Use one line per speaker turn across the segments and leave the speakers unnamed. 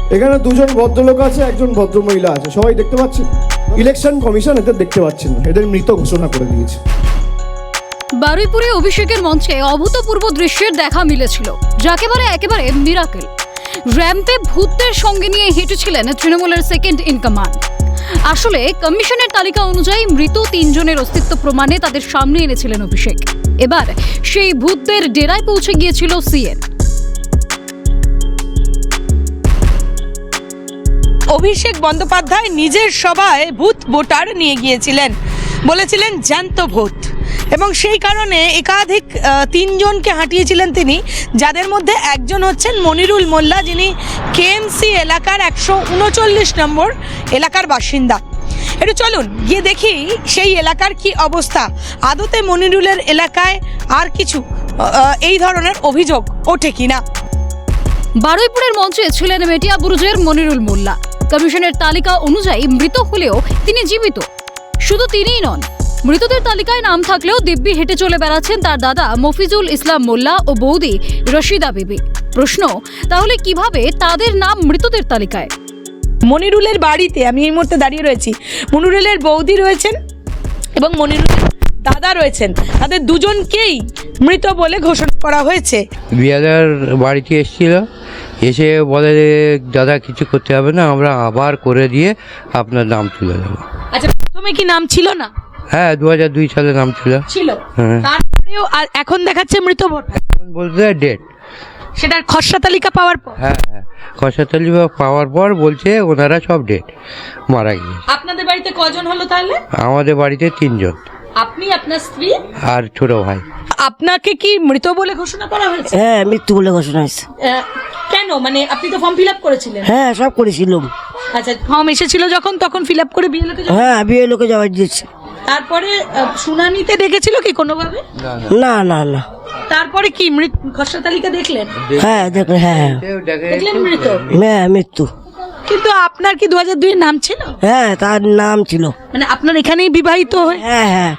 এখানে দুজন ভদ্রলোক আছে, একজন ভদ্রমহিলা আছে, সবাই দেখতে পাচ্ছেন। ইলেকশন কমিশন এদের দেখতে পাচ্ছেন না, এদের মৃত ঘোষণা করে দিয়েছে।
বারুইপুরে অভিষেকের মঞ্চে অভূতপূর্ব দৃশ্যের দেখা মিলেছিল, যাকে বলে একেবারে মিরাকেল। র্যাম্পে ভূতদের সঙ্গে নিয়ে হেঁটেছিলেন তৃণমূলের সেকেন্ড ইন কমান্ড। আসলে কমিশনের তালিকা অনুযায়ী মৃত 3 জনের অস্তিত্ব প্রমাণে তাদের সামনে এনেছিলেন অভিষেক। এবার সেই ভূতদের ডেরায় পৌঁছে গিয়েছিল সিএন।
অভিষেক বন্দ্যোপাধ্যায় নিজের সভায় ভূত ভোটার নিয়ে গিয়েছিলেন, বলেছিলেন জ্যান্ত ভূত, এবং সেই কারণে একাধিক 3 জনকে হাঁটিয়েছিলেন তিনি, যাদের মধ্যে একজন হচ্ছেন মনিরুল মোল্লা, যিনি কেএমসি এলাকার 139 নম্বর এলাকার বাসিন্দা। একটু চলুন গিয়ে দেখি সেই এলাকার কি অবস্থা। আদতে মনিরুলের এলাকায় আর কিছু এই ধরনের অভিযোগ ওঠে কিনা।
বারুইপুরের মঞ্চে ছিলেন মেটিয়াবুরুজের মনিরুল মোল্লা। কমিশনের তালিকা অনুযায়ী মৃত হলেও তিনি জীবিত। শুধু তিনিই নন, মৃতদের তালিকায় নাম থাকলেও দিব্যি হেঁটে চলে বেড়াচ্ছেন তার দাদা মফিজুল ইসলাম মোল্লা ও বৌদি রশিদা বিবি। প্রশ্ন, তাহলে কিভাবে তাদের নাম মৃতদের তালিকায়?
মনিরুলের বাড়িতে আমি এই মুহূর্তে দাঁড়িয়ে রয়েছি। মনিরুলের বৌদি রয়েছেন এবং মনিরুলের দাদা রয়েছেন, তাদের দুজনকেই মৃত বলে ঘোষণা করা হয়েছে।
বিয়াদার বাড়িতে এসেছিল, এসে বলে দাদা কিছু করতে হবে না, আমরা আবার করে দিয়ে আপনার নাম তুলে দেবো।
আচ্ছা, প্রথমে কি নাম ছিল না?
হ্যাঁ, 2002 সালে নাম ছিল। হ্যাঁ,
তারপরেও এখন দেখাচ্ছে মৃত ভোটার।
এখন বলতে ডেট,
সেটার খসড়া তালিকা পাওয়ার পর।
হ্যাঁ হ্যাঁ, খসড়া তালিকা পাওয়ার পর বলছে ওনারা সব ডেট মারা গিয়েছে।
আপনাদের বাড়িতে কজন হলো তাহলে?
আমাদের বাড়িতে 3 জন,
আপনি, আপনার স্ত্রী
আর ছোট ভাই।
আপনাকে কি মৃত বলে ঘোষণা করা হয়েছে?
হ্যাঁ, মৃত্যু বলে ঘোষণা হয়েছে।
কেন? মানে আপনি তো ফর্ম ফিল আপ করেছিলেন।
হ্যাঁ, সব করেছিলাম।
আচ্ছা, ফর্ম এসেছিল যখন, তখন ফিল আপ করে বিএলওকে
হ্যাঁ, বিয়ে লোকে যাওয়া দিয়েছে।
তারপরে শুনানিতে ডেকেছিল কি কোনোভাবে?
না না না।
তারপরে কি খসড়া তালিকা দেখলেন?
হ্যাঁ দেখলেন, হ্যাঁ
দেখলেন মৃত।
হ্যাঁ, মৃত্যু।
কিন্তু আপনার কি 2002 এর নাম ছিল?
হ্যাঁ, তার নাম ছিল।
মানে আপনার এখানেই বিবাহিত হয়ে?
হ্যাঁ হ্যাঁ,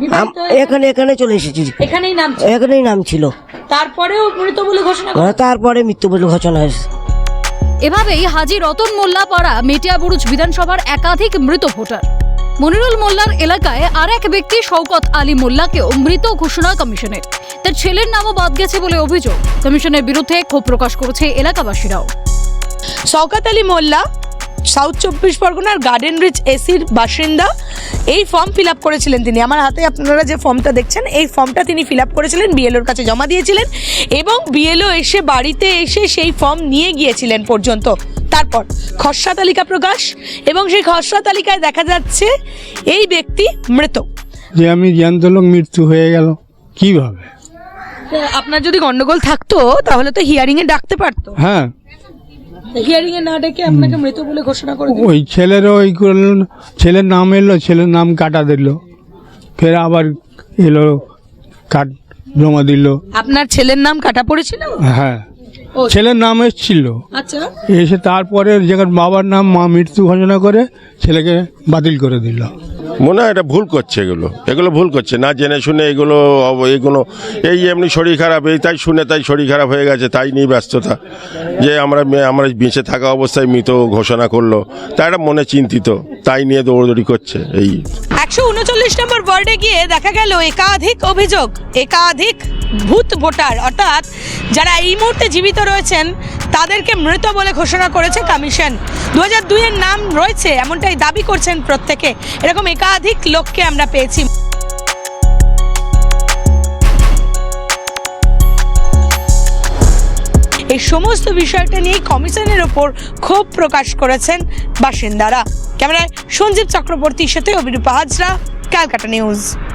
এখানে চলে এসেছি,
এখানেই নাম ছিল?
এখানেই নাম ছিল।
তারপরেও মৃত বলে ঘোষণা করা?
তারপরে মৃত্যু বলে ঘোষণা হয়েছে।
এভাবেই হাজী রতন মোল্লা পাড়া মেটিয়াবুরুজ বিধানসভার একাধিক মৃত ভোটার। মনিরুল মোল্লার এলাকায় আর এক ব্যক্তি শওকত আলী মোল্লাকেও মৃত ঘোষণা কমিশনের। তার ছেলের নামও বাদ গেছে বলে অভিযোগ। কমিশনের বিরুদ্ধে ক্ষোভ প্রকাশ করেছে এলাকাবাসীরাও।
শওকত আলী মোল্লা সাউথ 24 পরগনার গার্ডেন রিচ এসির বাসিন্দা। এই ফর্ম ফিল আপ করেছিলেন তিনি। আমার হাতে আপনারা যে ফর্মটা দেখছেন, এই ফর্মটা তিনি ফিল আপ করেছিলেন, বিএলওর কাছে জমা দিয়েছিলেন, এবং বিএলও এসে বাড়িতে এসে সেই ফর্ম নিয়ে গিয়েছিলেন পর্যন্ত। তারপর খসড়া তালিকা প্রকাশ, এবং সেই খসড়া তালিকায় দেখা যাচ্ছে এই ব্যক্তি মৃত।
যে আমি জ্যান্ত লোক, মৃত্যু হয়ে গেল কিভাবে?
আপনার যদি গন্ডগোল থাকতো তাহলে তো হিয়ারিং এ ডাকতে পারতো।
হ্যাঁ,
হিয়ারিং এ না ডেকে আপনাকে মৃত বলে ঘোষণা করে দিল।
ওই ছেলেরও ওই করলো, ছেলের নাম এলো, ছেলের নাম কাটা দিল, ফের আবার এলো কাট জমা দিল।
আপনার ছেলের নাম কাটা পড়েছিল?
হ্যাঁ, ছেলের নাম এসেছিল,
আচ্ছা,
এসে তারপরে যেখানে বাবার নাম মা মৃত্যু ঘোষণা করে ছেলেকে বাতিল করে দিল।
মনে হয় এটা ভুল করছে, এগুলো ভুল করছে, না জেনে শুনে এগুলো এই এমনি শরীর খারাপ, এই তাই শুনে তাই শরীর খারাপ হয়ে গেছে, তাই নিয়ে ব্যস্ততা, যে আমরা বেঁচে থাকা অবস্থায় মৃত ঘোষণা করলো, তাই এটা মনে চিন্তিত, তাই নিয়ে দৌড়দৌড়ি করছে। এই
139 নম্বর ওয়ার্ডে গিয়ে দেখা গেল একাধিক অভিযোগ, একাধিক ভূত ভোটার, অর্থাৎ যারা এই মুহূর্তে জীবিত রয়েছেন তাদেরকে মৃত বলে ঘোষণা করেছে কমিশন। 2002 এর নাম রয়েছে এমনটাই দাবি করছেন প্রত্যেকে। এরকম একাধিক লোককে আমরা পেয়েছি। এই সমস্ত বিষয়টা নিয়ে কমিশনের ওপর ক্ষোভ প্রকাশ করেছেন বাসিন্দারা। ক্যামেরায় সঞ্জীব চক্রবর্তীর সাথে অভিরূপা হাজরা, ক্যালকাটা নিউজ।